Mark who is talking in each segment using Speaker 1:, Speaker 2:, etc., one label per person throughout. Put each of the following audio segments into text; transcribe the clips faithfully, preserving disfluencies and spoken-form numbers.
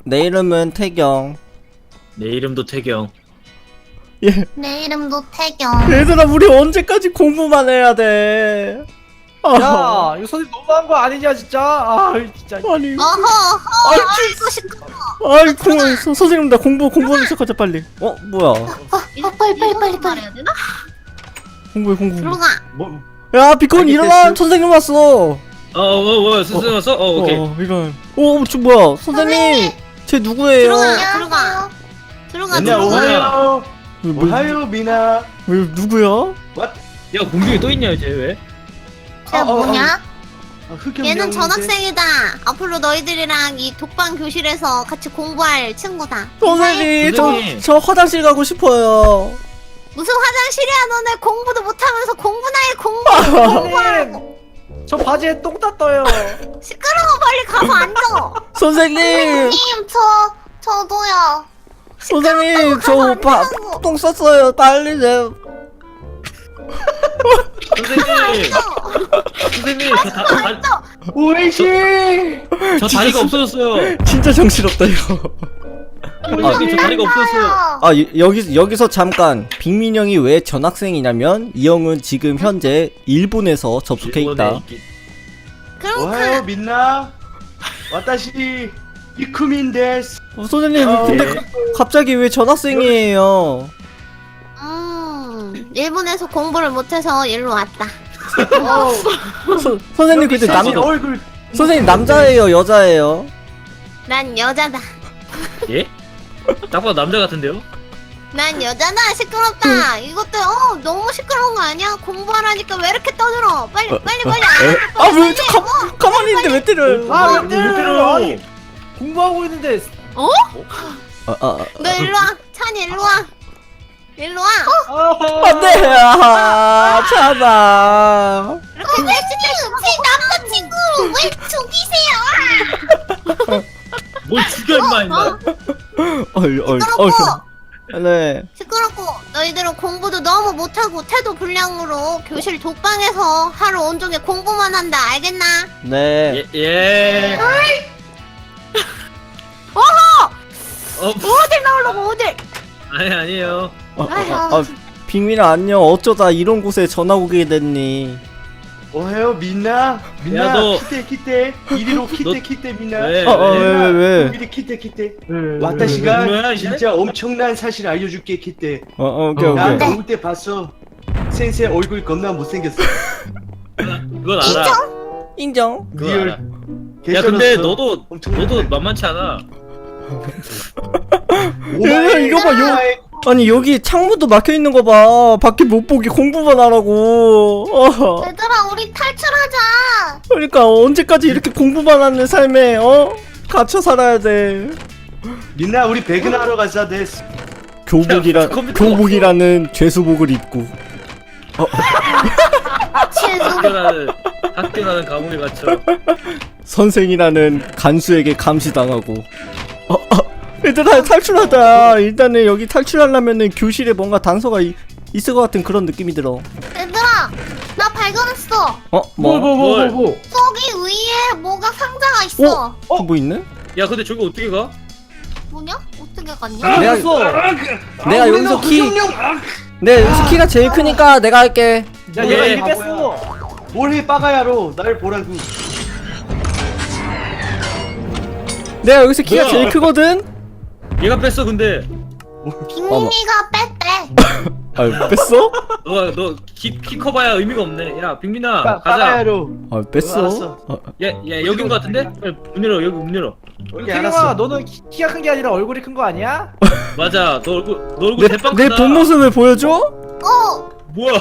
Speaker 1: 내 이름은 태경.
Speaker 2: 내 이름도 태경.
Speaker 1: 예.
Speaker 3: 내 이름도 태경.
Speaker 1: 얘들아, 우리 언제까지 공부만 해야 돼? 아,
Speaker 4: 야, 이거 선생님 너무한 거 아니냐 진짜? 아, 진짜.
Speaker 1: 아니.
Speaker 3: 어허, 어허,
Speaker 1: 아이,
Speaker 3: 아이고 시끄러.
Speaker 1: 아이, 공, 선- 선생님, 나 공부, 공부하기 시작하자, 빨리. 어, 뭐야.
Speaker 3: 어, 빨리 빨리 빨리 빨리.
Speaker 1: 공부해, 공부.
Speaker 3: 들어가.
Speaker 4: 뭐?
Speaker 1: 야, 비콘
Speaker 4: 알겠어.
Speaker 1: 일어나! 선생님 왔어!
Speaker 2: 어, 뭐, 뭐, 선생님 왔어? 어, 오케이.
Speaker 1: 어, 이런. 어, 저 뭐야. 선생님! 쟤 누구예요?
Speaker 3: 들어가. 들어가. 들어가.
Speaker 4: 맨날
Speaker 3: 들어가.
Speaker 4: 오하요.
Speaker 1: 왜, 뭐,
Speaker 4: 오하요 미나.
Speaker 1: 왜, 누구야?
Speaker 2: 야, 공중에 떠 있냐, 이제 왜?
Speaker 3: 쟤 뭐냐?
Speaker 4: 아, 흑염
Speaker 3: 얘는
Speaker 4: 명인데.
Speaker 3: 전학생이다. 앞으로 너희들이랑 이 독방 교실에서 같이 공부할 친구다.
Speaker 1: 선생님, 저,
Speaker 2: 선생님.
Speaker 1: 저 화장실 가고 싶어요.
Speaker 3: 무슨 화장실이야? 너네 공부도 못하면서 공부나 해. 공부.
Speaker 4: 선생님, 저 바지에 똥 땄어요.
Speaker 3: 시끄러워. 빨리 가서 앉아.
Speaker 1: 선생님!
Speaker 3: 님, 저 저도요.
Speaker 1: 선생님, 저
Speaker 3: 가서
Speaker 1: 오빠
Speaker 3: 앉으라고.
Speaker 1: 똥 쌌어요. 빨리 내.
Speaker 2: 선생님! 선생님, 저, 다, 다,
Speaker 4: 오이씨.
Speaker 2: 저 다리가 없어졌어요.
Speaker 1: 진짜 정신없다, 이거.
Speaker 2: 선생님, 저 다리가 없어졌어요.
Speaker 1: 아, 이- 여기, 여기서 잠깐. 빅민 형이 왜 전학생이냐면, 이 형은 지금 현재 일본에서 접속해 있다.
Speaker 2: 일본에 있기-
Speaker 3: 그럼
Speaker 4: 오하요
Speaker 3: 그
Speaker 4: 민나. 와타시 이쿠민 데스.
Speaker 1: 어, 선생님,
Speaker 4: 어,
Speaker 1: 근데
Speaker 2: 예.
Speaker 1: 가- 갑자기 왜 전학생이에요?
Speaker 3: 음, 일본에서 공부를 못해서 일로 왔다.
Speaker 1: 서, 선생님, 근데 남,
Speaker 4: 여기 얼굴.
Speaker 1: 선생님, 남자예요, 여자예요?
Speaker 3: 난 여자다.
Speaker 2: 예? 딱 봐도 남자 같은데요?
Speaker 3: 난 여자다. 시끄럽다. 이것도 어 너무 시끄러운 거 아니야? 공부하라니까 왜 이렇게 떠들어? 빨리 빨리 빨리.
Speaker 1: 아, 왜, 저, 가, 가만히 있는데 왜 때려요?
Speaker 4: 아, 왜
Speaker 2: 왜
Speaker 4: 때려요?
Speaker 2: 때려요?
Speaker 4: 아니, 공부하고 있는데.
Speaker 3: 어?
Speaker 1: 아, 아,
Speaker 3: 너 일로 와. 찬이 일로 와. 일로 와.
Speaker 4: 아,
Speaker 1: 안 돼! 아, 참아.
Speaker 3: 이렇게 외칠 제 남자친구 왜 죽이세요?
Speaker 2: 뭘 죽여, 임마, 임마.
Speaker 1: 어이, 어이,
Speaker 3: 시끄럽고
Speaker 1: 어이. 네.
Speaker 3: 시끄럽고 너희들은 공부도 너무 못하고 태도 불량으로 교실 독방에서 하루 온종일 공부만 한다. 알겠나?
Speaker 1: 네.
Speaker 2: 예, 예.
Speaker 3: 어허!
Speaker 2: 어,
Speaker 3: 어딜 나오려고 어딜?
Speaker 2: 아니, 아니에요.
Speaker 1: 어, 어, 어, 아, 빅민아, 안녕. 어쩌다 이런 곳에 전화 오게 됐니?
Speaker 4: 오하요 민나. 민나.
Speaker 2: 야, 너-
Speaker 4: 키테 키테. 이리로 키테
Speaker 2: 너-
Speaker 4: 키테 민나.
Speaker 2: 왜?
Speaker 1: 어, 어,
Speaker 2: 왜?
Speaker 1: 왜, 왜, 왜?
Speaker 4: 이리 키테 키테.
Speaker 2: 뭐야,
Speaker 4: 와타시가
Speaker 2: 이제?
Speaker 4: 진짜 엄청난 사실 알려줄게 키테.
Speaker 1: 어, 어, 오케이,
Speaker 2: 어.
Speaker 4: 나
Speaker 1: 오케이.
Speaker 4: 나올 때 봤어. 센세 얼굴 겁나 못생겼어.
Speaker 2: 그건 알아.
Speaker 1: 인정.
Speaker 2: 그건
Speaker 4: 리얼.
Speaker 2: 알아. 야, 근데
Speaker 4: 개쩔었어.
Speaker 2: 너도,
Speaker 4: 엄청나네.
Speaker 2: 너도 만만치 않아.
Speaker 4: 오마이
Speaker 1: 이거 봐, 요-
Speaker 4: 오마이.
Speaker 1: 아니, 여기 창문도 막혀 있는 거 봐. 밖에 못 보게 공부만 하라고. 어.
Speaker 3: 얘들아 우리 탈출하자.
Speaker 1: 그러니까 언제까지 이렇게 공부만 하는 삶에 어? 갇혀 살아야 돼.
Speaker 4: 민나 우리 배근하러 가자 데스.
Speaker 1: 교복이라
Speaker 2: 야, 컴퓨터
Speaker 1: 교복이라는 죄수복을 입고
Speaker 3: 최소
Speaker 2: 학교라는, 학교라는 감옥에 갇혀.
Speaker 1: 선생이라는 간수에게 감시당하고. 어, 어. 얘들아 탈출하자. 일단은 여기 탈출하려면은 교실에 뭔가 단서가 이, 있을 것 같은 그런 느낌이 들어.
Speaker 3: 얘들아 나 발견했어.
Speaker 1: 어? 뭐?
Speaker 4: 뭐 뭐 뭐 뭐.
Speaker 3: 저기 위에 뭐가 상자가 있어.
Speaker 1: 어? 뭐 있네?
Speaker 2: 야, 근데 저기 어떻게 가?
Speaker 3: 뭐냐? 어떻게
Speaker 4: 아,
Speaker 3: 갔냐?
Speaker 1: 내가-
Speaker 4: 알았어.
Speaker 1: 내가 여기서 키 내 여기서 키가 제일 크니까 내가 할게.
Speaker 4: 야
Speaker 2: 예.
Speaker 4: 얘가 이리 뺐어. 뭘해 빠가야로 날 보라고.
Speaker 1: 내가 여기서 키가
Speaker 2: 뭐야?
Speaker 1: 제일 크거든?
Speaker 2: 얘가 뺐어, 근데.
Speaker 3: 빅민이가 뺐대.
Speaker 1: 아 뺐어?
Speaker 2: 너가, 너, 키, 키 커봐야 의미가 없네. 야, 빅민아,
Speaker 4: 빠-
Speaker 2: 가자.
Speaker 4: 빠가야로.
Speaker 1: 아 뺐어?
Speaker 4: 알았어.
Speaker 1: 어,
Speaker 2: 야, 야, 여긴 거 같은데? 빨리 문 열어, 여기 문 열어.
Speaker 4: 오케이
Speaker 5: 태경아,
Speaker 4: 알았어.
Speaker 5: 너는 키- 키가 큰 게 아니라 얼굴이 큰 거 아니야?
Speaker 2: 맞아, 너 얼굴, 너 얼굴
Speaker 1: 내,
Speaker 2: 대빵
Speaker 1: 내
Speaker 2: 크다.
Speaker 1: 본 모습을 보여줘?
Speaker 3: 어.
Speaker 2: 뭐야?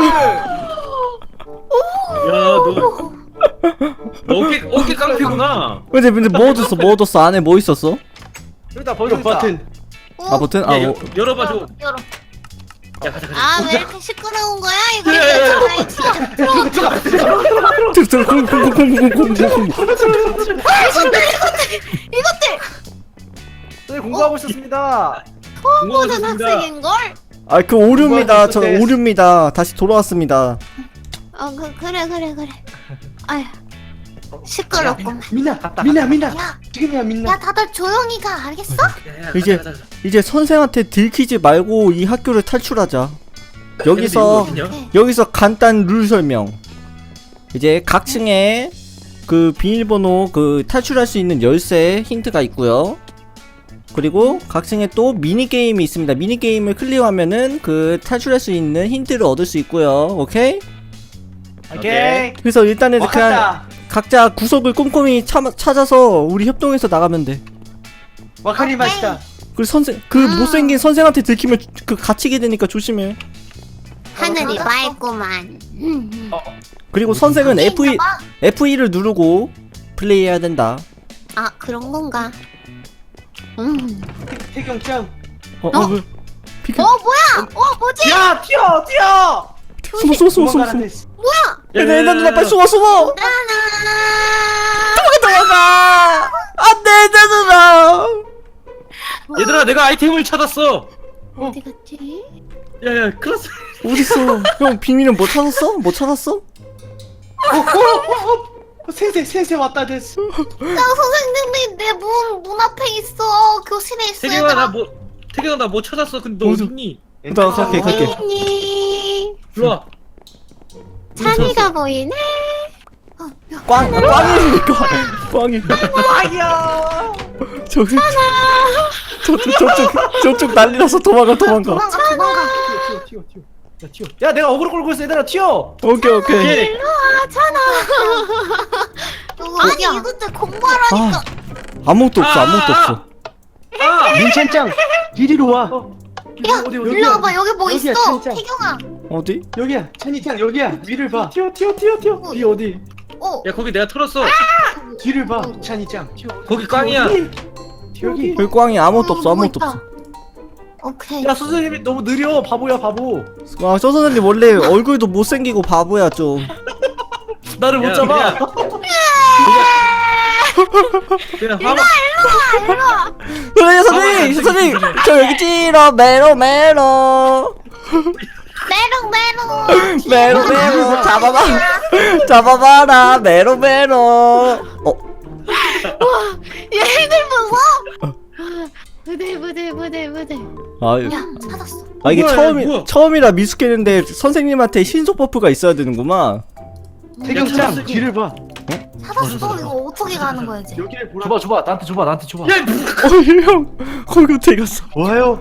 Speaker 2: 야, 너, 너 어깨, 어깨 깡패구나.
Speaker 1: 근데 근데 뭐 얻었어? 뭐 얻었어? 안에 뭐 있었어?
Speaker 5: 여기다 벌써
Speaker 4: 이거 버튼.
Speaker 3: 어.
Speaker 1: 아 버튼?
Speaker 2: 야,
Speaker 1: 아
Speaker 2: 여,
Speaker 1: 뭐?
Speaker 2: 열어봐, 줘.
Speaker 3: 열어.
Speaker 2: 야, 가자, 가자.
Speaker 3: 아 왜 이렇게 시끄러운 거야? 이거
Speaker 2: 야, 야, 야,
Speaker 3: 괜찮아. 이거 들어.
Speaker 1: 들어 들어 공공공공공공공.
Speaker 3: 이것들 이것들
Speaker 5: 선생님 공부하고 있었습니다.
Speaker 3: 모든
Speaker 2: 공부하셨습니다.
Speaker 3: 학생인 걸?
Speaker 1: 아 그 오류입니다. 저
Speaker 4: 공부하셨을 때.
Speaker 1: 오류입니다. 다시 돌아왔습니다.
Speaker 3: 어 그, 그래 그래 그래. 아휴 시끄럽구만.
Speaker 4: 민나 민나 민나
Speaker 3: 야,
Speaker 4: 지금이야 민나.
Speaker 3: 야 다들 조용히 가. 알겠어?
Speaker 2: 야, 야,
Speaker 1: 이제-
Speaker 2: 가자, 가자, 가자.
Speaker 1: 이제 선생한테 들키지 말고 이 학교를 탈출하자.
Speaker 2: 근데
Speaker 1: 여기서
Speaker 2: 이거 어딨냐?
Speaker 1: 여기서 간단 룰 설명. 이제 각 층에 그 비밀번호 그 탈출할 수 있는 열쇠 힌트가 있고요. 그리고 각 층에 또 미니 게임이 있습니다. 미니 게임을 클리어하면은 그 탈출할 수 있는 힌트를 얻을 수 있고요. 오케이?
Speaker 4: 오케이.
Speaker 1: 그래서 일단은 그냥
Speaker 4: 와카타.
Speaker 1: 각자 구석을 꼼꼼히 참, 찾아서 우리 협동해서 나가면 돼.
Speaker 4: 와카리 마시다.
Speaker 1: 그 선생 그
Speaker 3: 아.
Speaker 1: 못생긴 선생한테 들키면 그 갇히게 되니까 조심해.
Speaker 3: 하늘이 맑구만. 음.
Speaker 1: 그리고 선생은 에프 이
Speaker 3: 인가 봐.
Speaker 1: 에프 이를 누르고 플레이해야 된다.
Speaker 3: 아 그런 건가? 음.
Speaker 4: 태경짱.
Speaker 1: 어,
Speaker 3: 어?
Speaker 1: 어, 왜? 비켜.
Speaker 3: 어 뭐야? 어 뭐지?
Speaker 4: 야 튀어 튀어.
Speaker 1: 숨어, 숨어, 숨어, 숨어,
Speaker 4: 도망가라,
Speaker 1: 숨어.
Speaker 4: 됐어.
Speaker 2: 야,
Speaker 1: 얘네,
Speaker 2: 야,
Speaker 1: 얘네
Speaker 2: 야,
Speaker 1: 누나
Speaker 2: 야,
Speaker 1: 빨리 숨어, 숨어.
Speaker 3: 나나.
Speaker 1: 도망가. 안돼, 내 누나.
Speaker 2: 얘들아, 내가 아이템을 찾았어.
Speaker 3: 어디 갔지?
Speaker 2: 야야, 클라스.
Speaker 1: 어딨어? 형 비밀은 못 찾았어? 못 찾았어?
Speaker 4: 어, 센세 센세 왔다 됐어.
Speaker 3: 나 선생님이 내 문 문 앞에 있어. 교실에 있어.
Speaker 2: 태경아
Speaker 3: 얘들아.
Speaker 2: 나 뭐, 태경아 나 뭐 찾았어. 근데 너
Speaker 1: 어디?
Speaker 2: 어딨니?
Speaker 1: 나 갈게, 갈게.
Speaker 3: 언니.
Speaker 2: 일로 와.
Speaker 3: 찬이가 보이네.
Speaker 1: 꽝, 꽝이니까. 꽝이.
Speaker 4: 아야.
Speaker 1: 저기. 저쪽, 저쪽, 저쪽 난리 나서 도망가, 도망가.
Speaker 3: 도망가 도망가.
Speaker 4: 튀어 튀어 튀어 튀어. 야 튀어. 야 내가 어그로 끌고 있어 얘들아 튀어.
Speaker 1: 오케이, 오케이.
Speaker 2: 오케이.
Speaker 3: 일로 와 찬아. 아니 이것들 공부하라니까.
Speaker 1: 아, 아무것도 없어, 아무것도 없어.
Speaker 2: 아,
Speaker 4: 민찬짱 이리로 와.
Speaker 3: 야
Speaker 4: 어디, 어디,
Speaker 3: 일로
Speaker 4: 어디?
Speaker 3: 와봐. 여기 뭐
Speaker 4: 여기야,
Speaker 3: 있어?
Speaker 4: 진짜.
Speaker 3: 태경아.
Speaker 1: 어디?
Speaker 4: 여기야 찬이짱 여기야 위를 봐. 튀어 튀어 튀어 튀어. 뒤 어디?
Speaker 3: 어.
Speaker 2: 야 거기 내가 털었어.
Speaker 4: 뒤를 봐 찬이짱. 튀어.
Speaker 2: 거기 꽝이야.
Speaker 4: 여기.
Speaker 1: 여기 꽝이 아무것도 없어,
Speaker 3: 어,
Speaker 1: 아무것도
Speaker 3: 뭐
Speaker 1: 없어.
Speaker 3: 있다. 오케이.
Speaker 4: 야 선생님이 너무 느려 바보야 바보.
Speaker 1: 아, 저 선생님 원래 얼굴도 못생기고 바보야, 좀.
Speaker 4: 나를 못
Speaker 2: 야,
Speaker 4: 잡아.
Speaker 2: 그냥 화마.
Speaker 1: 선생님, 선생님, 선생님, 저 여기 찌러, 메로, 메로.
Speaker 3: 메롱 메롱.
Speaker 1: 메로, 메로, 잡아봐. 잡아봐라, 메로, 메로. 어,
Speaker 3: 얘들 무서워. 부들 부들 부들 부들.
Speaker 1: 아,
Speaker 3: 야 찾았어.
Speaker 1: 아 이게
Speaker 2: 뭐야,
Speaker 1: 처음이,
Speaker 2: 뭐야?
Speaker 1: 처음이라 미숙했는데 선생님한테 신속 버프가 있어야 되는구만.
Speaker 4: 태경짱
Speaker 2: 찾았어,
Speaker 4: 뒤를 봐.
Speaker 3: 찾았어. 이거 어떻게 가는 거야 이제?
Speaker 4: 여기를 보라. 줘봐 줘봐 나한테 줘봐 나한테 줘봐.
Speaker 2: 야,
Speaker 1: 어, 형, 거기 어떻게 갔어?
Speaker 4: 뭐예요?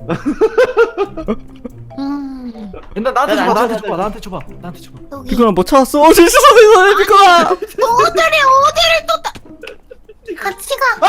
Speaker 3: 음.
Speaker 4: 옛날 나한테
Speaker 2: 야,
Speaker 4: 줘봐
Speaker 2: 나,
Speaker 4: 나한테
Speaker 2: 나,
Speaker 4: 줘봐 나한테 줘봐 나한테 줘봐.
Speaker 3: 여기.
Speaker 1: 비코나 뭐 찾았어? 어, 진짜 선생님, 선생님, 비코나.
Speaker 3: 너들이 어디를 또 따... 같이 가.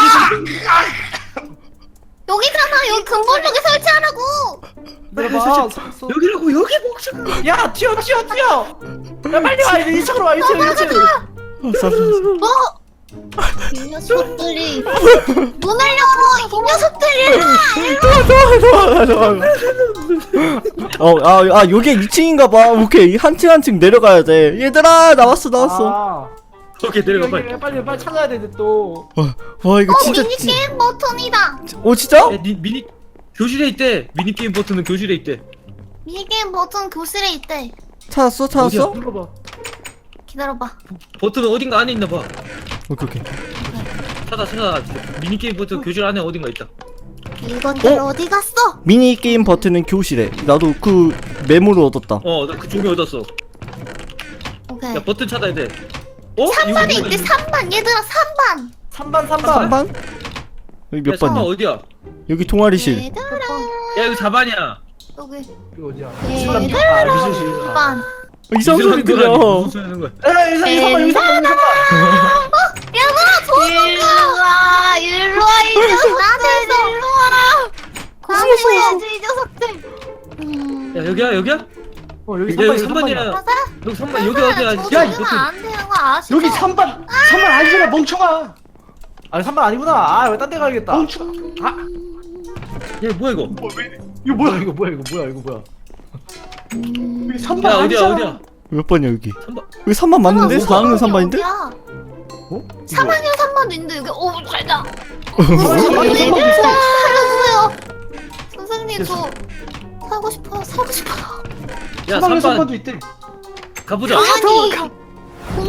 Speaker 3: 여기잖아. 여기 근본역에 설치하라고.
Speaker 4: 내가
Speaker 2: 여기라고 여기 목숨.
Speaker 4: 야 튀어 튀어 튀어. 야 빨리 와 이 층으로 와 이 층 이 층.
Speaker 1: 아, 쌈, 쌈, 쌈.
Speaker 3: 어? 이 녀석들이 문을 열어. 이 녀석들이.
Speaker 1: 도망가, 도망가. 어, 아, 아, 요게 이 층인가봐. 오케이, 한 층 한 층 내려가야 돼. 얘들아, 나왔어, 나왔어.
Speaker 4: 아,
Speaker 2: 오케이 내려가
Speaker 4: 여기,
Speaker 2: 빨리.
Speaker 4: 여기 빨리 빨리 찾아야 돼 또.
Speaker 1: 와, 이거
Speaker 3: 어
Speaker 1: 진짜.
Speaker 3: 미니
Speaker 1: 진-
Speaker 3: 게임 버튼이다.
Speaker 1: 어, 진짜?
Speaker 2: 야, 니, 미니 교실에 있대. 미니 게임 버튼은 교실에 있대.
Speaker 3: 미니 게임 버튼 교실에 있대.
Speaker 1: 찾았어, 찾았어?
Speaker 2: 어디야?
Speaker 4: 눌러봐.
Speaker 3: 기다려봐.
Speaker 2: 버튼은 어딘가 안에 있나 봐.
Speaker 1: 오케이, 오케이.
Speaker 2: 찾아 찾아. 미니 게임 버튼 교실 안에 어딘가 있다.
Speaker 3: 이것들
Speaker 1: 어?
Speaker 3: 어? 디 갔어?
Speaker 1: 미니 게임 버튼은 교실에. 나도 그 메모를 얻었다.
Speaker 2: 어, 나 그 종이 얻었어.
Speaker 3: 오케이.
Speaker 2: 야 버튼 찾아야 돼. 어?
Speaker 3: 삼 반에
Speaker 2: 이거
Speaker 3: 있대.
Speaker 2: 이거-
Speaker 3: 삼 반. 얘들아 삼 반.
Speaker 4: 삼 반 삼 반.
Speaker 1: 삼 반? 여기 몇
Speaker 2: 야, 삼 반
Speaker 1: 반이야?
Speaker 2: 어디야?
Speaker 1: 여기 동아리실.
Speaker 3: 얘들아
Speaker 2: 야 여기 사 반이야.
Speaker 3: 여기.
Speaker 4: 이거 어디야?
Speaker 3: 얘들아
Speaker 4: 아 미술실.
Speaker 3: 삼 반.
Speaker 1: 어, 이상한 소리 들려.
Speaker 2: 무슨 소리 하는 거야?
Speaker 4: 야 여기 삼 반 여기 삼 반 여기 삼 반.
Speaker 3: 얘들아 일로 와. 일로 와 이 녀석들. 일로 와. 공부해야지 이 녀석들. 음.
Speaker 2: 야 여기야 여기야?
Speaker 4: 어 여기
Speaker 2: 야
Speaker 4: 삼 반
Speaker 2: 여기
Speaker 4: 여기
Speaker 2: 삼
Speaker 4: 삼 반이야.
Speaker 2: 반이야.
Speaker 3: 맞아?
Speaker 2: 여기 삼 반 여기 어디야?
Speaker 3: 야,
Speaker 2: 야
Speaker 3: 이거
Speaker 2: 버튼.
Speaker 3: 안 되는 거 아시죠?
Speaker 4: 여기 삼 반 삼 반 아니잖아 멍청아. 아니 삼 반 아니구나. 아 왜 딴 데 가야겠다. 멍청아. 아
Speaker 2: 야 뭐야 이거?
Speaker 4: 이거 뭐야 이거 뭐야 이거 뭐야 이거 뭐야.
Speaker 3: 음.
Speaker 4: 여기 삼
Speaker 2: 야
Speaker 4: 반
Speaker 2: 어디야
Speaker 4: 아니잖아.
Speaker 2: 어디야?
Speaker 1: 몇 번이야, 여기?
Speaker 2: 삼 반.
Speaker 1: 여기 삼 반 맞는데? 사 학년 삼 반인데?
Speaker 4: 어?
Speaker 3: 삼 학년 삼 반도 있는데 여기 오 잘다.
Speaker 4: 삼 반
Speaker 3: 얘들아
Speaker 4: 삼 반.
Speaker 3: 살려주세요. 선생님 저 살고 싶어요. 살고 싶어요.
Speaker 2: 야
Speaker 4: 삼 반 삼
Speaker 2: 삼 반
Speaker 4: 반도 있대.
Speaker 2: 가보자.
Speaker 3: 아니 공부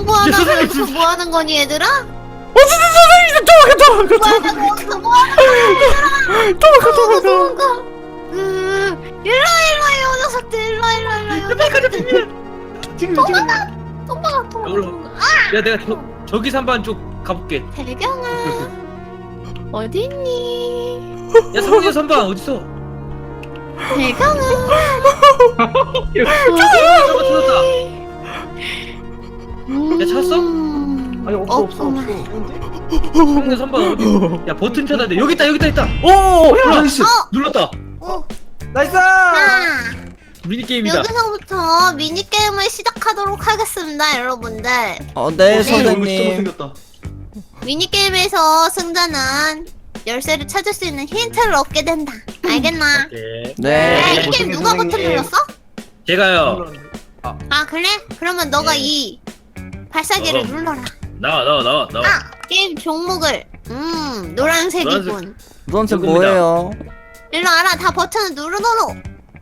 Speaker 3: 공부하다가 여기서 뭐 하는 거니 얘들아?
Speaker 1: 어 진짜 선생님 도망가 도망가
Speaker 3: 뭐 하는 거 뭐 하는 거니
Speaker 1: 도망가
Speaker 3: 얘들아?
Speaker 1: 도망가
Speaker 3: 도망가. 음, 일로 일로 이 녀석들 일로 일로 일로.
Speaker 2: 빨리 가자 빙민아.
Speaker 4: 지금 지금
Speaker 3: 도망가 도망가.
Speaker 2: 여기로. 야 내가 저 저기서 한번 쭉 가볼게.
Speaker 3: 대경아 어디 있니?
Speaker 2: 야 성훈이 선방 어딨어?
Speaker 3: 대경아
Speaker 2: 찾았다 찾았다. 야, 찾았어?
Speaker 3: 음,
Speaker 4: 아니 없어 없어
Speaker 3: 없구만.
Speaker 4: 없어.
Speaker 2: 성훈이 선방 어디? 야 버튼 찾아야 돼. 여기 있다 여기 있다 있다.
Speaker 1: 오
Speaker 4: 나이스.
Speaker 2: 눌렀다.
Speaker 3: 어,
Speaker 4: 나이스.
Speaker 3: 자,
Speaker 2: 미니 게임이다.
Speaker 3: 여기서부터 미니게임을 시작하도록 하겠습니다 여러분들.
Speaker 1: 어네
Speaker 3: 네.
Speaker 1: 선생님
Speaker 4: 생겼다.
Speaker 3: 미니게임에서 승자는 열쇠를 찾을 수 있는 힌트를 얻게 된다. 알겠나?
Speaker 2: 오케이.
Speaker 1: 네
Speaker 3: 야, 이
Speaker 4: 못생긴
Speaker 3: 게임 누가 버튼
Speaker 4: 선생님.
Speaker 3: 눌렀어?
Speaker 2: 제가요.
Speaker 3: 아 그래? 그러면 너가
Speaker 2: 네.
Speaker 3: 이 발사기를
Speaker 2: 어.
Speaker 3: 눌러라.
Speaker 2: 나와 나와 나와 나와.
Speaker 3: 아 게임 종목을 음 노란색이군.
Speaker 1: 노란색
Speaker 2: 이겁니다.
Speaker 1: 뭐예요?
Speaker 3: 일로 와라. 다 버튼을 누르도록.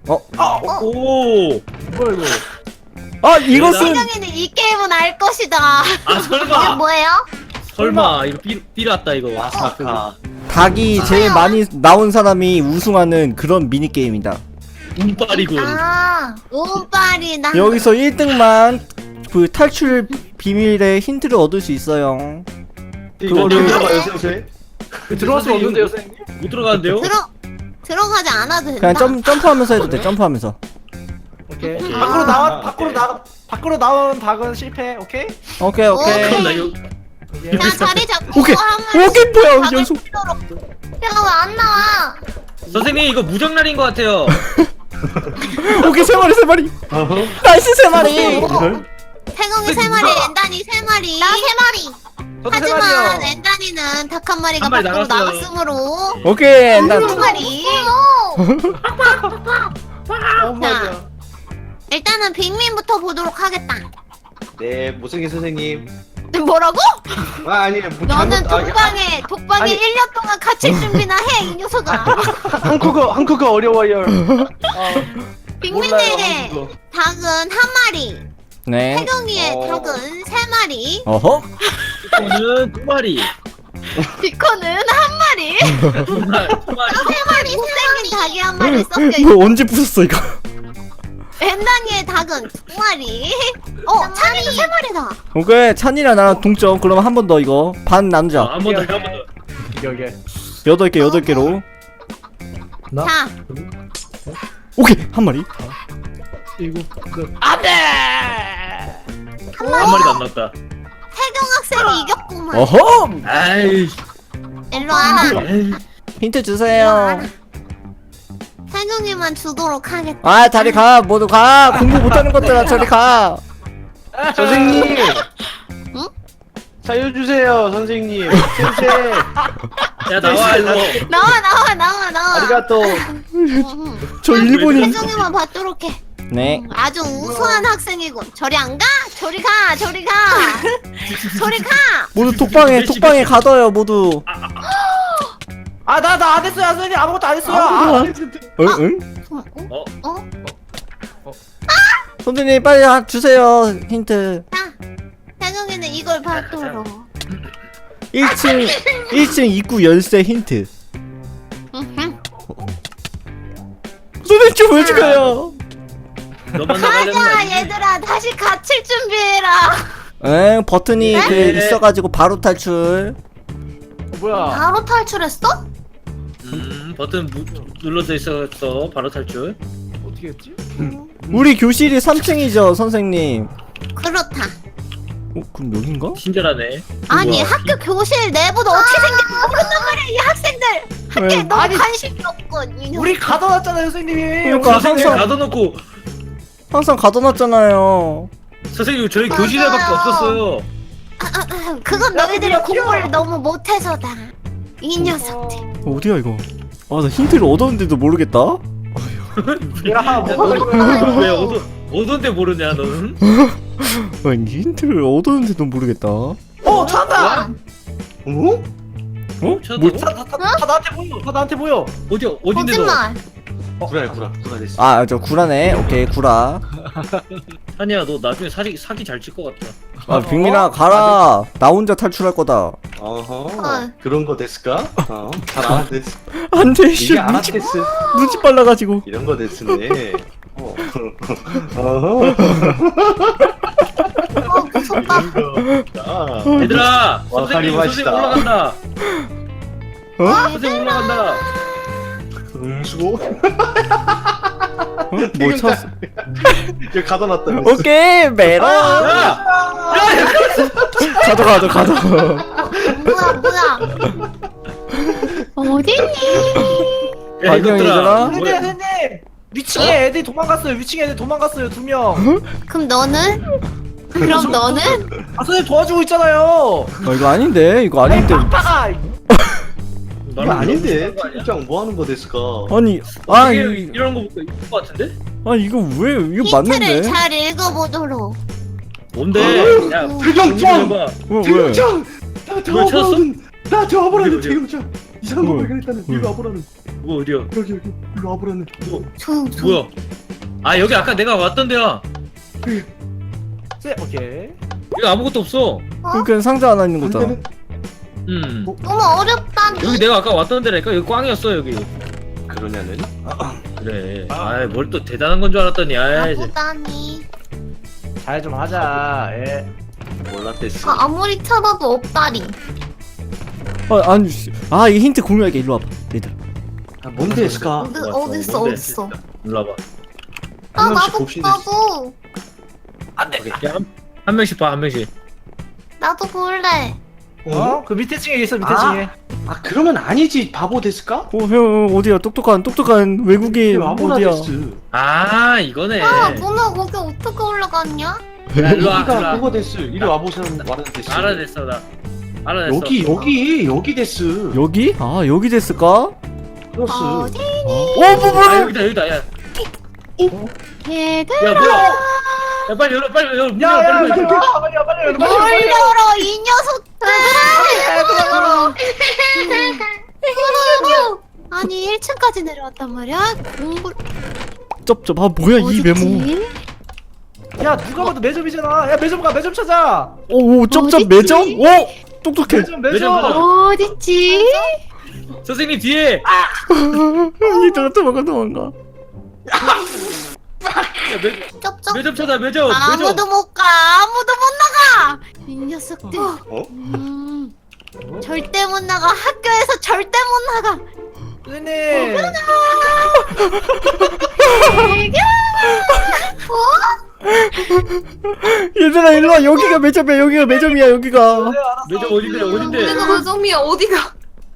Speaker 2: 오.
Speaker 4: 뭐야 이거?
Speaker 1: 아 이것은
Speaker 3: 세경이는 이 게임은 알 것이다.
Speaker 2: 아
Speaker 3: 이게
Speaker 2: 설마.
Speaker 3: 뭐예요?
Speaker 2: 설마 이거 삐 삐랐다 이거.
Speaker 4: 아사카.
Speaker 1: 닭이 제일 많이 나온 사람이 우승하는 그런 미니게임이다.
Speaker 2: 운빨이군.
Speaker 3: 아 운빨이다.
Speaker 1: 여기서 일 등만 그 탈출 비밀의 힌트를 얻을 수 있어요.
Speaker 4: 그거를
Speaker 1: 그거를-
Speaker 4: 들어가요 선생. 들어갈 수 없는데요 선생님?
Speaker 2: 못 들어가는데요?
Speaker 3: 들어 들어가지 않아도 된다.
Speaker 1: 그냥 점 점프하면서 해도 돼. 점프하면서.
Speaker 4: 오케이.
Speaker 2: 오케이.
Speaker 4: 밖으로 나와
Speaker 5: 아,
Speaker 4: 밖으로
Speaker 5: 오케이.
Speaker 4: 나 밖으로 나온 닭은 실패. 오케이.
Speaker 1: 오케이
Speaker 2: 그럼
Speaker 1: 오케이.
Speaker 2: 나 이거
Speaker 4: 오케이.
Speaker 3: 자 자리 잡고
Speaker 1: 오케이.
Speaker 3: 하면
Speaker 1: 오케이 뭐야
Speaker 3: 각을
Speaker 1: 연속.
Speaker 3: 치도록. 야왜 안 나와?
Speaker 2: 선생님 이거 무정란인 것 같아요.
Speaker 1: 오케이 세 마리 세 마리. 나이스 세 마리.
Speaker 3: 오. 태경이 세 마리, 엔단이 세 마리. 나 세 마리.
Speaker 4: 저도 세
Speaker 3: 하지만
Speaker 4: 마리요.
Speaker 3: 엔단이는 닭 한 마리가
Speaker 2: 한 마리
Speaker 3: 밖으로
Speaker 2: 나갔어요.
Speaker 3: 나갔으므로
Speaker 1: 오케이 나
Speaker 3: 두 마리.
Speaker 4: 어 맞아.
Speaker 3: 일단은 빅민부터 보도록 하겠다.
Speaker 5: 네, 못생긴 선생님.
Speaker 3: 뭐라고?
Speaker 5: 아, 아니에요. 뭐
Speaker 3: 너는
Speaker 5: 잘못- 아,
Speaker 3: 독방에 독방에
Speaker 4: 아니.
Speaker 3: 일 년 동안 갇힐 준비나 해 이 녀석아.
Speaker 5: 한국어, 한국어 어려워요.
Speaker 3: 빅민의
Speaker 5: 한국어.
Speaker 3: 닭은 한 마리,
Speaker 1: 네.
Speaker 3: 태경이의
Speaker 5: 어.
Speaker 3: 닭은 세 마리,
Speaker 1: 어허.
Speaker 2: 이거는 두 마리.
Speaker 3: 비코는 한 마리,
Speaker 2: 두 마리. 두 마리.
Speaker 3: 세 마리 생긴 닭이 한 마리 섞여 있고,
Speaker 1: 뭐 언제 부쉈어 이거?
Speaker 3: 엔단이의 닭은 두 마리. 어, 찬이도 세 마리다.
Speaker 1: 오케이 찬이랑 나랑 동점. 그러면 한 번 더 이거 반 나누자.
Speaker 2: 한 번 더, 한 번 더.
Speaker 4: 오케이 오케이.
Speaker 1: 여덟 개 여덟 개로.
Speaker 4: 나?
Speaker 3: 자,
Speaker 1: 오케이 한 마리.
Speaker 4: 일곱. 그.
Speaker 3: 안돼.
Speaker 2: 한 마리도 안 나왔다.
Speaker 3: 태경 학생이 이겼구만.
Speaker 1: 어허.
Speaker 2: 아이.
Speaker 3: 일로 와라.
Speaker 2: 에이.
Speaker 1: 힌트 주세요.
Speaker 3: 태경이만 주도록 하겠다.
Speaker 1: 아 자리 가 모두 가. 공부 못하는 것들아 저리 가.
Speaker 5: 선생님.
Speaker 3: 응?
Speaker 5: 살려주세요, 선생님. 선생.
Speaker 2: 야 나와 이거.
Speaker 3: 나와 나와 나와 나와.
Speaker 5: 아리가또.
Speaker 3: 응,
Speaker 1: 저
Speaker 3: 응.
Speaker 1: 일본인.
Speaker 3: 태경이만 받도록 해.
Speaker 1: 네.
Speaker 3: 음, 아주 우수한 학생이군. 저리 안 가? 저리 가, 저리 가, 저리 가.
Speaker 1: 모두 독방에 독방에 가둬요 모두.
Speaker 4: 아나 나 안 했어요 선생님 아무것도 안 했어요.
Speaker 1: 아무것도
Speaker 4: 아,
Speaker 1: 안 응? 응?
Speaker 3: 어?
Speaker 2: 어?
Speaker 3: 어?
Speaker 1: 선생님 빨리 하- 주세요 힌트.
Speaker 3: 자, 태경이는 이걸 받도록.
Speaker 1: 일 층 일 층 입구 열쇠 힌트.
Speaker 3: 음흠.
Speaker 1: 선생님 좀 왜 죽어요?
Speaker 2: 너만
Speaker 3: 가자,
Speaker 2: 나가려면
Speaker 3: 얘들아, 다시 갇힐 준비해라.
Speaker 1: 에 버튼이 그
Speaker 2: 네.
Speaker 1: 있어가지고 바로 탈출.
Speaker 4: 뭐야?
Speaker 3: 바로 탈출했어?
Speaker 2: 음 버튼 무, 눌러져 있었어. 바로 탈출.
Speaker 4: 어떻게 했지?
Speaker 1: 우리 교실이 삼 층이죠 선생님.
Speaker 3: 그렇다.
Speaker 1: 어 그럼 여긴가?
Speaker 2: 친절하네.
Speaker 3: 아니,
Speaker 1: 우와.
Speaker 3: 학교 교실 내부도 어떻게 생긴지 모른단 말이야, 이 학생들. 학교에
Speaker 1: 왜?
Speaker 3: 너무
Speaker 4: 아니,
Speaker 3: 관심이 없군. 이 녀석.
Speaker 4: 우리 가둬놨잖아요 선생님이.
Speaker 1: 그러니까
Speaker 2: 선생님
Speaker 1: 항상
Speaker 2: 가둬놓고
Speaker 1: 항상 가둬놨잖아요.
Speaker 2: 선생님 저희
Speaker 3: 맞아요.
Speaker 2: 교실에밖에 없었어요.
Speaker 3: 아, 아, 아, 그건 너희들이 공부를 너무 못해서다. 이 녀석들.
Speaker 1: 어디야 이거? 아 나 힌트를 얻었는데도 모르겠다.
Speaker 4: 야 뭐?
Speaker 2: 왜 어두 어두운데 모르냐 너는?
Speaker 1: 아니 힌트를 얻었는데도 모르겠다. 어?
Speaker 4: 어 찾았다.
Speaker 5: 어?
Speaker 2: 찾았다고?
Speaker 1: 뭐?
Speaker 4: 다, 다, 다, 다 나한테 보여. 다 나한테 보여.
Speaker 2: 어디 어딘데 너?
Speaker 3: 거짓말.
Speaker 5: 구라야, 구라. 구라 됐어.
Speaker 1: 아 저 구라네. 오케이 구라.
Speaker 2: 한이야 너 나중에 사기 사기 잘 칠 것 같다.
Speaker 1: 아 빅민아 가라. 나 혼자 탈출할 거다.
Speaker 5: 어허.
Speaker 3: 어.
Speaker 5: 그런 거 됐을까? 어. 잘 알아댔어.
Speaker 1: 안돼 씨
Speaker 5: 이게
Speaker 1: 눈치
Speaker 5: 알아댔어.
Speaker 1: 눈치 빨라가지고.
Speaker 5: 이런 거 됐으네. 어. 어허.
Speaker 3: 어 무섭다.
Speaker 5: 이런 거. 아.
Speaker 2: 얘들아
Speaker 5: 와,
Speaker 2: 선생님
Speaker 5: 가리마시다.
Speaker 2: 선생님 올라간다.
Speaker 1: 어?
Speaker 2: 선생님 올라간다.
Speaker 5: 응수고.
Speaker 1: 어? 뭐 쳤어?
Speaker 5: 여기 가둬놨다.
Speaker 1: 오케이 메라.
Speaker 2: 야!
Speaker 1: 가져 가져 가져.
Speaker 3: 뭐야 뭐야. 어딨니?
Speaker 2: 야,
Speaker 1: 안녕,
Speaker 2: 이것들아.
Speaker 1: 얘들아.
Speaker 4: 선생님
Speaker 2: 뭐야?
Speaker 4: 선생님 위층에 애들이 도망갔어요. 위층에 애들 도망갔어요 두 명.
Speaker 3: 그럼 너는? 그럼 너는?
Speaker 4: 아 선생님 도와주고 있잖아요.
Speaker 1: 어 이거 아닌데 이거 아닌데.
Speaker 4: 빡빡아.
Speaker 5: 이거 아닌데. 팀장 뭐 하는 거 됐을까?
Speaker 1: 아니
Speaker 2: 아
Speaker 1: 아 이,
Speaker 2: 이런 거 보니까 이거 같은데?
Speaker 1: 아 이거 왜 이거
Speaker 3: 힌트를
Speaker 1: 맞는데?
Speaker 3: 잘 읽어보도록.
Speaker 2: 뭔데? 야
Speaker 5: 태경장!
Speaker 2: 봐.
Speaker 1: 왜 왜?
Speaker 5: 태경장! 나
Speaker 2: 뭐 찾았어?
Speaker 5: 도와보라는 나 도와보라는
Speaker 2: 어디, 어디?
Speaker 5: 태경장! 이상한 거
Speaker 1: 뭐?
Speaker 5: 발견했다는
Speaker 1: 뭐?
Speaker 5: 이리 와보라는
Speaker 2: 뭐 어디야?
Speaker 5: 여기 여기 이리 와보라는
Speaker 3: 조용 조용.
Speaker 2: 뭐야? 아 여기 아까 내가 왔던 데야.
Speaker 4: 네, 오케이.
Speaker 2: 여기 아무것도 없어.
Speaker 1: 그러니까 상자 하나 있는 거잖아.
Speaker 5: 반대는
Speaker 2: 음.
Speaker 3: 너무 어렵다니.
Speaker 2: 여기 내가 아까 왔던 데라니까 여기 꽝이었어 여기.
Speaker 5: 그러냐는?
Speaker 2: 그래. 아이 뭘 또 대단한 건 줄 알았더니 아이. 이제.
Speaker 3: 나보다니.
Speaker 4: 잘 좀 하자. 예.
Speaker 5: 몰랐댔어
Speaker 3: 아, 아무리 찾아도 없다리.
Speaker 1: 아 아니 씨. 아 이 힌트 공유할게 일로 와봐 얘들아.
Speaker 5: 아 뭔데 했을까?
Speaker 3: 어디
Speaker 2: 왔어.
Speaker 3: 어딨어
Speaker 2: 뭔데?
Speaker 3: 어딨어.
Speaker 2: 일로 와봐.
Speaker 3: 아
Speaker 5: 한 명씩
Speaker 3: 나도
Speaker 5: 봅시다.
Speaker 3: 나도
Speaker 2: 야, 한, 한 명씩 봐, 한 명씩.
Speaker 3: 나도 볼래.
Speaker 4: 어? 그 밑에 층에 있어 밑에
Speaker 5: 아.
Speaker 4: 층에.
Speaker 5: 아 그러면 아니지 바보 됐을까?
Speaker 1: 어형 어디야 똑똑한 똑똑한 외국인
Speaker 5: 와보라
Speaker 1: 어디야?
Speaker 5: 됐어
Speaker 2: 아, 이거네.
Speaker 3: 아 누나 거기 어떻게 올라갔냐?
Speaker 2: 야, 일로 와, 일로
Speaker 5: 여기가
Speaker 2: 와.
Speaker 5: 그거 됐어 이리 와보자는 말은 됐어
Speaker 2: 알아냈어, 나. 알아냈어.
Speaker 5: 여기 여기 여기 됐어
Speaker 1: 여기? 아 여기 됐을까?
Speaker 5: 플러스
Speaker 3: 어디
Speaker 1: 어 뭐,
Speaker 2: 아,
Speaker 1: 뭐야?
Speaker 2: 여기다, 여기다, 야.
Speaker 3: 얘들아.
Speaker 2: 야, 뭐야? 야, 빨리 열어, 빨리 열어. 문 열어,
Speaker 4: 야야
Speaker 2: 빨리
Speaker 4: 빨리
Speaker 2: 열어.
Speaker 4: 빨리 빨리 빨리
Speaker 3: 뭘
Speaker 4: 빨리.
Speaker 3: 열어 이 녀석들. 열어. 열어. 아니 일 층까지 내려왔단 말이야. 공부.
Speaker 1: 쩝쩝 아 뭐야 이 메모.
Speaker 3: 어딨지?
Speaker 4: 야 누가 봐도 매점이잖아. 야 매점 가 매점 찾아.
Speaker 1: 오 쩝쩝
Speaker 3: 어딨지?
Speaker 1: 매점? 오 똑똑해.
Speaker 4: 매점
Speaker 2: 매점
Speaker 4: 매점.
Speaker 2: 가자.
Speaker 3: 어딨지?
Speaker 2: 선생님 뒤에.
Speaker 1: 얘들아 도망가 도망가.
Speaker 2: 야, 매,
Speaker 3: 쩝쩝.
Speaker 2: 매점 찾아, 매점, 매점.
Speaker 3: 아무도 못 가. 아무도 못 나가. 이 녀석들.
Speaker 5: 어?
Speaker 3: 음, 절대 못 나가. 학교에서 절대 못 나가.
Speaker 4: 선생님.
Speaker 3: 애교. 어?
Speaker 1: 얘들아 일로 와 여기가 매점이야 여기가 매점이야 여기가.
Speaker 2: 매점 어딘데, 어딘데?
Speaker 3: 내가 가정이야 어디가?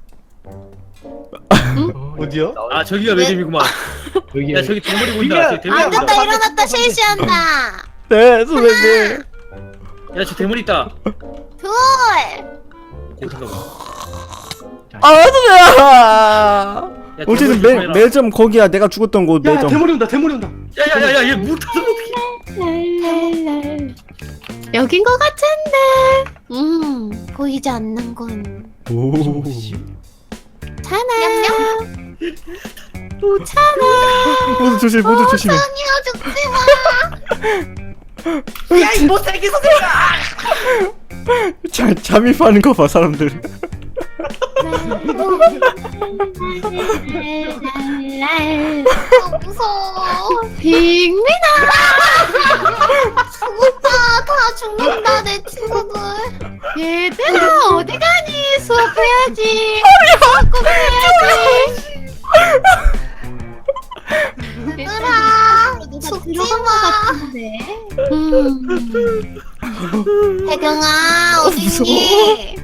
Speaker 5: 어디야?
Speaker 2: 아, 저기가 매점이구만.
Speaker 5: 여기
Speaker 2: 야, 저기 대머리 보인다.
Speaker 4: 이게-
Speaker 2: 저기 대머리
Speaker 3: 안
Speaker 2: 보인다.
Speaker 3: 됐다 일어났다 실시한다.
Speaker 1: 네 선생님.
Speaker 2: 야, 저 대머리 있다.
Speaker 3: 둘.
Speaker 2: 야, 잠깐만.
Speaker 1: 아 선생님.
Speaker 2: 야,
Speaker 1: 어쨌든
Speaker 2: 대머리
Speaker 1: 매,
Speaker 2: 조심해라.
Speaker 1: 매점 거기야 내가 죽었던 곳
Speaker 5: 야
Speaker 1: 매점.
Speaker 5: 대머리 온다 대머리 온다
Speaker 2: 야, 야, 야, 야, 얘 못하서 어떡해.
Speaker 3: 랄랄랄. 여긴 것 같은데. 음 보이지 않는군.
Speaker 1: 오.
Speaker 3: 찬아. 또 찬아.
Speaker 1: 모두 조심 모두 조심해.
Speaker 3: 아니야 죽지 마.
Speaker 4: 야이 못생긴 선생님.
Speaker 1: 자, 잠입하는 거 봐 사람들.
Speaker 3: 랄랄랄. 아, 무서워. 빅민아. 죽었다. 다 죽는다 내 친구들. 얘들아 어디 가니? 수업해야지. 수업해야지. 얘들아 죽지 마. 음. 태경아 어딨니?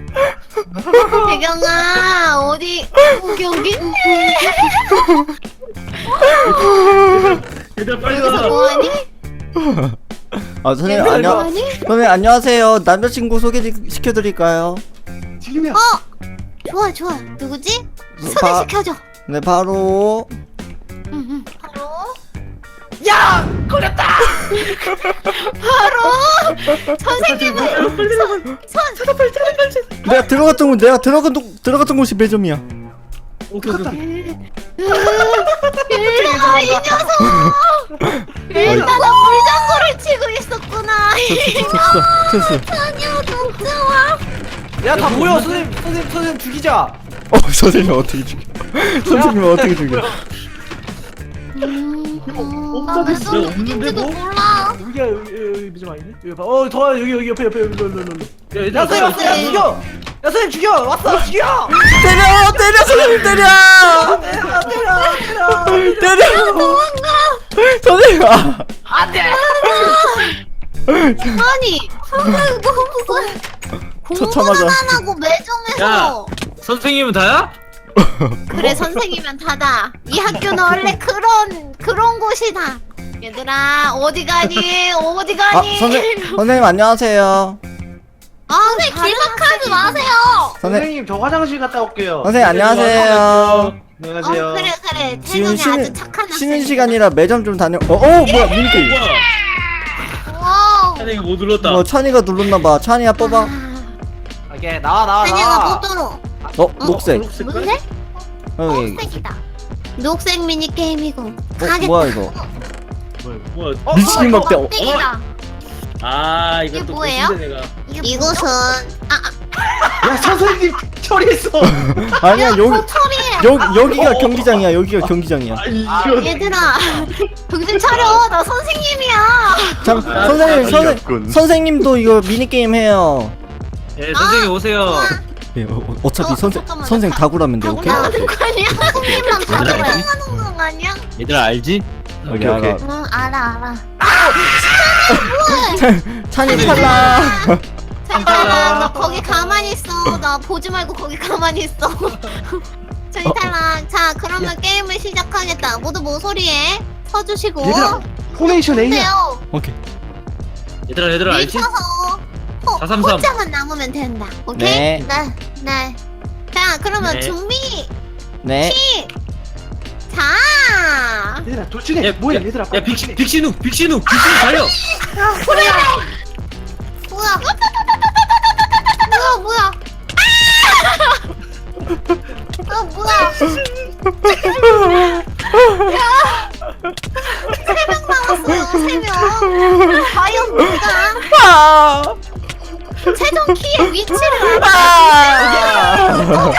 Speaker 3: 태경아 어디? 여기 여기 있네.
Speaker 2: 얘들아, 빨리
Speaker 3: 여기서
Speaker 2: 와.
Speaker 3: 뭐하니?
Speaker 1: 아 선생님
Speaker 3: 여기서
Speaker 1: 안녕.
Speaker 3: 뭐하니?
Speaker 1: 선생님 안녕하세요. 남자친구 소개시켜드릴까요?
Speaker 5: 지금이야
Speaker 3: 좋아 좋아 누구지?
Speaker 1: 바-
Speaker 3: 소개시켜줘.
Speaker 1: 네 바로
Speaker 3: 응, 응. 바로
Speaker 4: 야 걸렸다.
Speaker 3: 바로 선생님은
Speaker 1: 내가 들어갔던 곳 내가 들어갔던 곳- 들어갔던 곳이 매점이야.
Speaker 2: 오케이, 오케이, 오케이.
Speaker 3: 얘들아 이 녀석. 일단은 물장구를 사고를 치고 있었구나.
Speaker 1: 됐어.
Speaker 3: 아니야, 독주와.
Speaker 4: 야 다 모여 선생님 선생님 선생님 죽이자.
Speaker 1: 어 선생님 어떻게 죽여? 선생님 어떻게 죽여?
Speaker 3: 나왜 손을
Speaker 2: 없는데,
Speaker 3: 죽인지도
Speaker 2: 뭐?
Speaker 3: 몰라.
Speaker 4: 여기야 여기 여기 미좀 아니네. 여기 봐. 어더 여기 여기 옆에 옆에 여기 일로 일로 일로.
Speaker 2: 야,
Speaker 4: 야 선생님 왔어. 야
Speaker 3: 네.
Speaker 4: 죽여. 야 선생님 죽여. 왔어 죽여.
Speaker 1: 때려 때려 선생님 때려
Speaker 4: 때려 때려 때려.
Speaker 1: 때려
Speaker 3: 도망가.
Speaker 1: 선생님 아.
Speaker 4: 안돼.
Speaker 3: 아니, 선생님 너무 무서워.
Speaker 1: 처참하다.
Speaker 3: 공부는 안 하고 매점에서.
Speaker 2: 선생님은 다야?
Speaker 3: 그래, 선생이면 다다. 이 학교는 원래 그런 그런 곳이다. 얘들아, 어디 가니? 어디
Speaker 1: 아
Speaker 3: 가니?
Speaker 1: 선생 선생님 안녕하세요.
Speaker 3: 아, 선생님 길막하지 마세요.
Speaker 1: 선생
Speaker 5: 선생님 저 화장실 갔다 올게요.
Speaker 1: 선생님 안녕하세요.
Speaker 5: 안녕하세요.
Speaker 3: 어, 그래 그래.
Speaker 1: 지금
Speaker 3: 태경이 아주
Speaker 1: 쉬는
Speaker 3: 착한
Speaker 1: 쉬는
Speaker 3: 학생이다.
Speaker 1: 시간이라 매점 좀 다녀. 어, 어 뭐야 미니게임.
Speaker 2: 뭐야?
Speaker 3: 와우.
Speaker 2: 선생님 못 눌렀다.
Speaker 1: 뭐 찬이가 눌렀나봐. 찬이야 뽑아.
Speaker 4: 오케이 나와 나와
Speaker 3: 찬이가
Speaker 4: 나와.
Speaker 3: 못 들어.
Speaker 1: 어 녹색.
Speaker 3: 뭔데?
Speaker 1: 여기.
Speaker 3: 녹색이다. 녹색 미니 게임이고.
Speaker 1: 어 뭐야 이거?
Speaker 2: 뭐야?
Speaker 4: 어,
Speaker 1: 미친
Speaker 3: 이거
Speaker 1: 막대. 어,
Speaker 3: 막대기다.
Speaker 2: 아 이거
Speaker 3: 이게
Speaker 2: 또
Speaker 3: 뭐예요?
Speaker 2: 보신데, 내가.
Speaker 3: 이곳은 아, 아
Speaker 5: 야 선생님 처리했어.
Speaker 1: 아니야 여기
Speaker 3: 처리해.
Speaker 1: 여 여기가 경기장이야. 여기가 경기장이야.
Speaker 5: 아 이거
Speaker 3: 얘들아, 정신 차려. 나 선생님이야.
Speaker 1: 참 선생님 선생 선생님도 이거 미니 게임 해요.
Speaker 2: 예, 선생님 오세요.
Speaker 1: 예, 어, 어, 어차피
Speaker 3: 어,
Speaker 1: 선생
Speaker 3: 잠깐만요.
Speaker 1: 선생
Speaker 3: 다-
Speaker 1: 다구라면 돼.
Speaker 3: 타고
Speaker 1: 오케이.
Speaker 3: 나가는 거 아니야? 선생님만 타고
Speaker 2: 얘들아,
Speaker 3: 나가는 거 아니야?
Speaker 2: 얘들아 알지?
Speaker 1: 오케이 오케이.
Speaker 3: 응, 알아 알아.
Speaker 1: 찬이 탈락.
Speaker 3: 잠깐만, 나 거기 가만히 있어. 나 보지 말고 거기 가만히 있어. 저희
Speaker 1: 어,
Speaker 3: 탈락. 자, 그러면 게임을 시작하겠다. 모두 모서리에 서주시고.
Speaker 5: 얘들아 포메이션 A야.
Speaker 3: 돼요.
Speaker 1: 오케이.
Speaker 2: 얘들아 얘들아 알지?
Speaker 3: 밀쳐서 호,
Speaker 2: 사삼삼.
Speaker 3: 호장만 남으면 된다. 오케이?
Speaker 1: 네.
Speaker 3: 네. 네. 자, 그러면
Speaker 2: 네.
Speaker 3: 준비.
Speaker 1: 네.
Speaker 3: 시. 자.
Speaker 5: 얘들아 도중에
Speaker 2: 야,
Speaker 5: 뭐야
Speaker 2: 야,
Speaker 5: 얘들아.
Speaker 2: 야 빅시 빅시누 빅시누 빅시누 달려.
Speaker 3: 그래. 뭐야? 뭐야 뭐야? 아 뭐야? 세 명 남았어요. 세 명. 과연 누가
Speaker 1: 아.
Speaker 3: 최종 키의 위치를
Speaker 1: 아.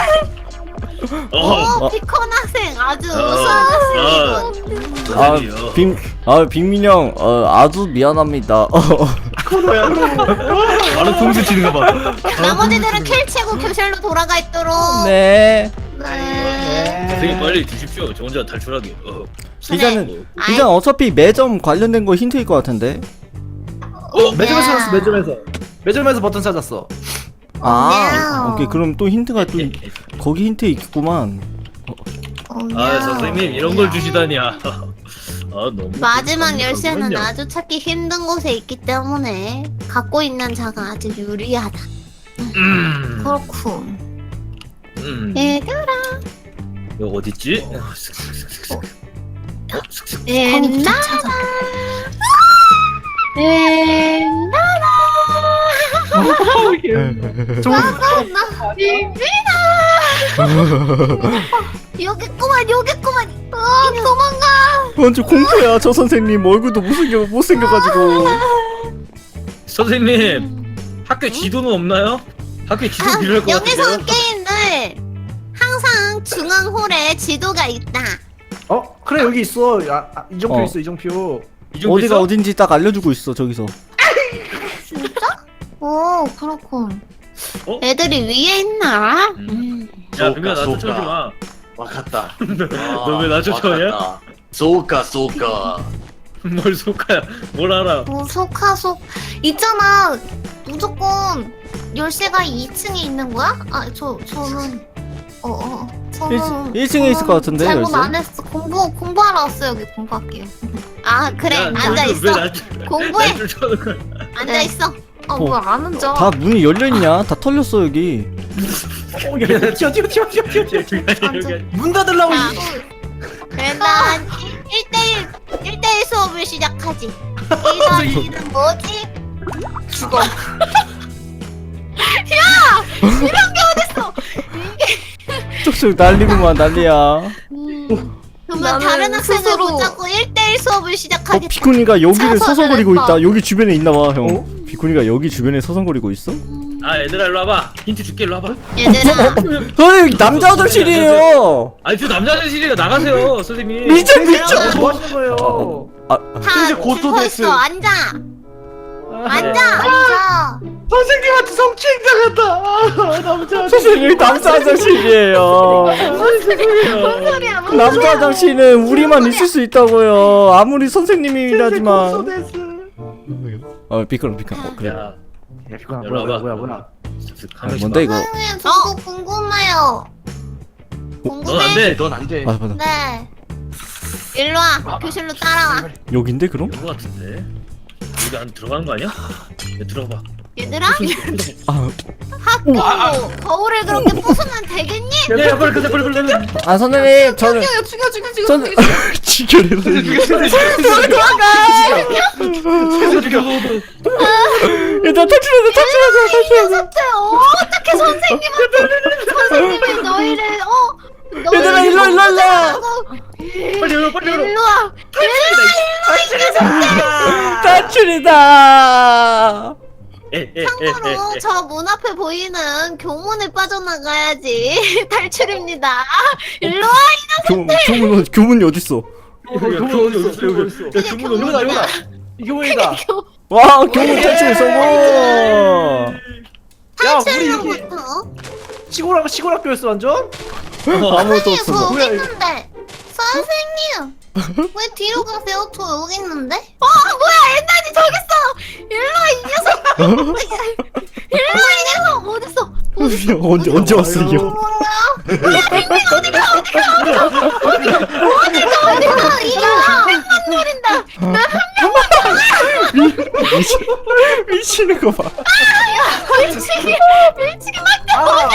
Speaker 2: 어.
Speaker 3: 오, 피컨 학생 아주
Speaker 2: 어.
Speaker 3: 우수하시고.
Speaker 1: 아, 빅, 아, 빅민 형, 어, 아주 미안합니다. 어,
Speaker 5: 코너야.
Speaker 2: 바로 통수 치는 거 봐.
Speaker 3: 나머지들은 킬 치고 교실로 돌아가 있도록.
Speaker 1: 네.
Speaker 3: 네.
Speaker 2: 선생님 빨리 드십시오. 저 혼자 탈출하게. 어.
Speaker 1: 이자는,
Speaker 3: 아이.
Speaker 1: 이자는 어차피 매점 관련된 거 힌트일 것 같은데.
Speaker 2: 어?
Speaker 4: 매점에서 찾았어 매점에서. 매점에서 버튼 찾았어.
Speaker 1: 아, 오케이. 그럼 또 힌트가 또, 거기 힌트 있구만.
Speaker 2: 아 선생님 이런 걸 주시다니. 아 너무.
Speaker 3: 마지막 열쇠는
Speaker 2: 그렇군요.
Speaker 3: 아주 찾기 힘든 곳에 있기 때문에 갖고 있는 자가 아주 유리하다.
Speaker 2: 음.
Speaker 3: 그렇군.
Speaker 2: 음.
Speaker 3: 얘들아.
Speaker 2: 이거 어딨지?
Speaker 3: 옛날아. 옛날아. 나 비비다. 여기구만 여기구만. 어, 도망가.
Speaker 1: 완전 공포야. 저 선생님 얼굴도 못생겨, 못생겨가지고.
Speaker 2: 선생님 학교 지도는 없나요? 학교 지도 필요할 것
Speaker 3: 여기서
Speaker 2: 같은데요?
Speaker 3: 게임들 항상 중앙홀에 지도가 있다.
Speaker 4: 어 그래 여기 있어. 야 아, 이정표
Speaker 1: 어.
Speaker 4: 있어 이정표.
Speaker 2: 이 정도
Speaker 1: 어디가
Speaker 2: 있어?
Speaker 1: 어딘지 딱 알려주고 있어, 저기서.
Speaker 3: 진짜? 오 그렇군.
Speaker 2: 어?
Speaker 3: 애들이 위에 있나?
Speaker 2: 음.
Speaker 3: 음.
Speaker 2: 야 그러면 나
Speaker 5: 쏘까,
Speaker 2: 쫓아오지 마.
Speaker 5: 와갔다.
Speaker 2: 너 왜 나 쫓아오냐?
Speaker 5: 쏘까 쏘까.
Speaker 2: 뭘 속아야 뭘 알아.
Speaker 3: 오 속하속 있잖아. 무조건 열쇠가 이 층에 있는 거야? 아 저 저는 어어 저는
Speaker 1: 일 층에 있을 것 같은데,
Speaker 3: 잘못
Speaker 1: 열쇠?
Speaker 3: 안 했어. 공부 공부하러 왔어 여기 공부할게요. 아 그래
Speaker 2: 야,
Speaker 3: 앉아
Speaker 2: 너희들
Speaker 3: 있어.
Speaker 2: 왜 날-
Speaker 3: 공부해.
Speaker 2: 날 쫓아오는 거야?
Speaker 3: 앉아 있어.
Speaker 1: 어.
Speaker 3: 어뭐안 앉아?
Speaker 1: 다 문이 열려있냐? 다 털렸어, 여기.
Speaker 4: 어, 야, 야, 튀어 튀어 튀어 튀어 튀어.
Speaker 2: 여기 아니야, 여기 아니야.
Speaker 4: 문 닫으려고.
Speaker 3: 자,
Speaker 4: 이-
Speaker 3: 일단 일 대일 일 대일 수업을 시작하지. 일 더일은 뭐지? 죽어.
Speaker 1: 쪽쪽 난리구만, 난리야.
Speaker 3: 음, 그러면
Speaker 6: 나는
Speaker 3: 다른 학생을
Speaker 6: 스스로-
Speaker 3: 못 잡고 일 대일 수업을
Speaker 1: 어,
Speaker 3: 시작하겠다.
Speaker 1: 비코니가 여기를
Speaker 3: 서서
Speaker 1: 서성거리고
Speaker 3: 잘했다.
Speaker 1: 있다. 여기 주변에 있나봐 형. 비코니가 여기 주변에 서성거리고 있어?
Speaker 2: 아 얘들아 일로 와봐. 힌트 줄게 일로 와봐.
Speaker 3: 얘들아.
Speaker 1: 선생님 남자 화장실이에요.
Speaker 2: 아니 저 남자 화장실이가 나가세요 선생님.
Speaker 1: 미쳐
Speaker 4: 뭐
Speaker 1: 미쳐.
Speaker 4: 하시는 거예요?
Speaker 1: 아,
Speaker 3: 다
Speaker 5: 이제 고소
Speaker 3: 죽어
Speaker 5: 됐음.
Speaker 3: 있어. 앉아. 앉아.
Speaker 2: 네.
Speaker 3: 앉아.
Speaker 5: 선생님한테 성추행 당했다. 아, 남자.
Speaker 1: 선생님 남자 화장실이에요.
Speaker 3: 뭔 소리야? 뭔
Speaker 1: 남자
Speaker 3: 소리야?
Speaker 1: 화장실은 우리만 있을 수 있다고요. 아무리 선생님이라지만.
Speaker 5: 고소됐음.
Speaker 1: 어 비콘 비콘. 어, 그래.
Speaker 2: 야
Speaker 4: 야 비코나
Speaker 2: 일로
Speaker 4: 뭐야
Speaker 2: 와봐.
Speaker 4: 뭐야 뭐야 뭐야.
Speaker 1: 아, 뭔데 이거?
Speaker 3: 선생님 저거 궁금해요.
Speaker 2: 넌
Speaker 3: 궁금해?
Speaker 2: 안돼.
Speaker 5: 넌 안 돼.
Speaker 1: 맞아 맞아.
Speaker 3: 네. 일로 와. 교실로 따라와.
Speaker 1: 여긴데 그럼?
Speaker 2: 이거 같은데. 여기 안 들어가는 거 아니야? 야 들어가 봐.
Speaker 3: 얘들아.
Speaker 1: 아,
Speaker 3: 학교 거울을 그렇게 부수면 되겠니?
Speaker 2: 야야 빨리 가자 빨리 빨리 빨리.
Speaker 1: 아 선생님 저는
Speaker 6: 죽여 죽여 죽여 죽여.
Speaker 1: 전 지결해 선생님.
Speaker 2: 죽여 죽여.
Speaker 1: 일단 탈출하자 탈출하자
Speaker 3: 이
Speaker 1: 탈출하자.
Speaker 3: 녀석들 어떻게 선생님한테 선생님이 너희를 어 너희를
Speaker 1: 얘들아, 일로, 일로, 일로.
Speaker 2: 빨리 열어 빨리 열어.
Speaker 3: 일로 와.
Speaker 1: 탈출이다.
Speaker 3: 참고로 저 문 앞에 보이는 교문에 빠져나가야지 탈출입니다. 일로 와.
Speaker 1: 교문 교문 교문이 어디 있어?
Speaker 2: 교문 어디 있어 여기. 야 교문
Speaker 4: 이거다
Speaker 2: 어디
Speaker 4: 이거다.
Speaker 2: 있어?
Speaker 4: 이 교문이다.
Speaker 3: 교
Speaker 1: 와 교문 탈출 성공.
Speaker 4: 야 우리 여기
Speaker 3: 탈출로부터.
Speaker 4: 시골 시골 학교였어 완전?
Speaker 1: 아무것도
Speaker 3: 선생님 저
Speaker 1: 없어.
Speaker 3: 여기 있는데. 선생님 왜 뒤로 가세요? 저 여기 있는데. 어 뭐야 엔단이 저기 있어. 일로 와 이 녀석. 일로 와 이 녀석 어딨어? 어딨어?
Speaker 1: 언제 언제 왔어 이게?
Speaker 3: 어디가 이거 한번 노린다.
Speaker 1: 미치, 미치는 거 봐.
Speaker 3: 밀치기 밀치기 막
Speaker 4: 아.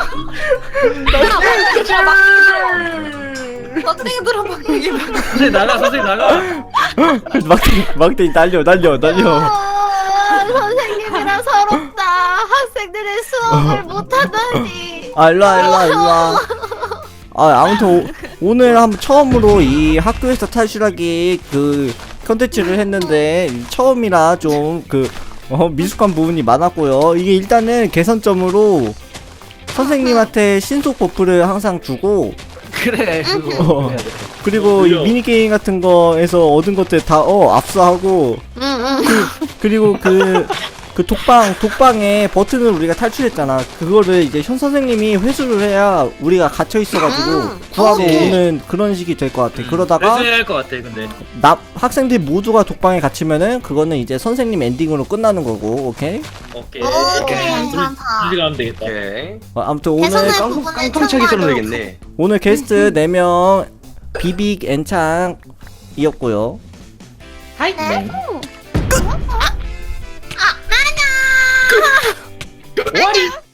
Speaker 6: 막대기들아 막대기.
Speaker 2: 선생님 나가 선생님 나가.
Speaker 1: 막대 막대 날려 날려 날려.
Speaker 3: 아, 선생님이랑 서럽다. 학생들의 수업을 못하다니.
Speaker 1: 아 일로와 일로와 일로와. 아 아무튼 오, 오늘 한번 처음으로 이 학교에서 탈출하기 그 컨텐츠를 했는데 처음이라 좀 그 어, 미숙한 부분이 많았고요. 이게 일단은 개선점으로 선생님한테 신속 버프를 항상 주고
Speaker 4: 그래 그거
Speaker 1: 어.
Speaker 4: 해야 돼.
Speaker 1: 그리고 이
Speaker 2: 그래요.
Speaker 1: 미니게임 같은 거에서 얻은 것들 다 어 압수하고
Speaker 3: 응응.
Speaker 1: 그리고 그, 그 독방, 독방에 버튼을 우리가 탈출했잖아. 그거를 이제 현 선생님이 회수를 해야 우리가 갇혀 있어가지고
Speaker 3: 음,
Speaker 1: 구하고
Speaker 3: 오케이.
Speaker 1: 오는 그런 식이 될 것 같아. 그러다가
Speaker 2: 그래서 해야 할 것 같아 근데.
Speaker 1: 나, 학생들 모두가 독방에 갇히면은 그거는 이제 선생님 엔딩으로 끝나는 거고, 오케이?
Speaker 2: 오케이.
Speaker 3: 오케이 괜찮다.
Speaker 2: 둘이 가면 되겠다.
Speaker 5: 오케이.
Speaker 1: 어, 아무튼 오늘,
Speaker 3: 개선할
Speaker 5: 깡통
Speaker 3: 부분을
Speaker 5: 깡통차기 썰면
Speaker 3: 참고하도록
Speaker 5: 되겠네.
Speaker 1: 오늘 게스트 네 명 비빅 엔창이었고요.
Speaker 6: 하이.
Speaker 3: 네. 아, 아, 안녕.
Speaker 4: 오아리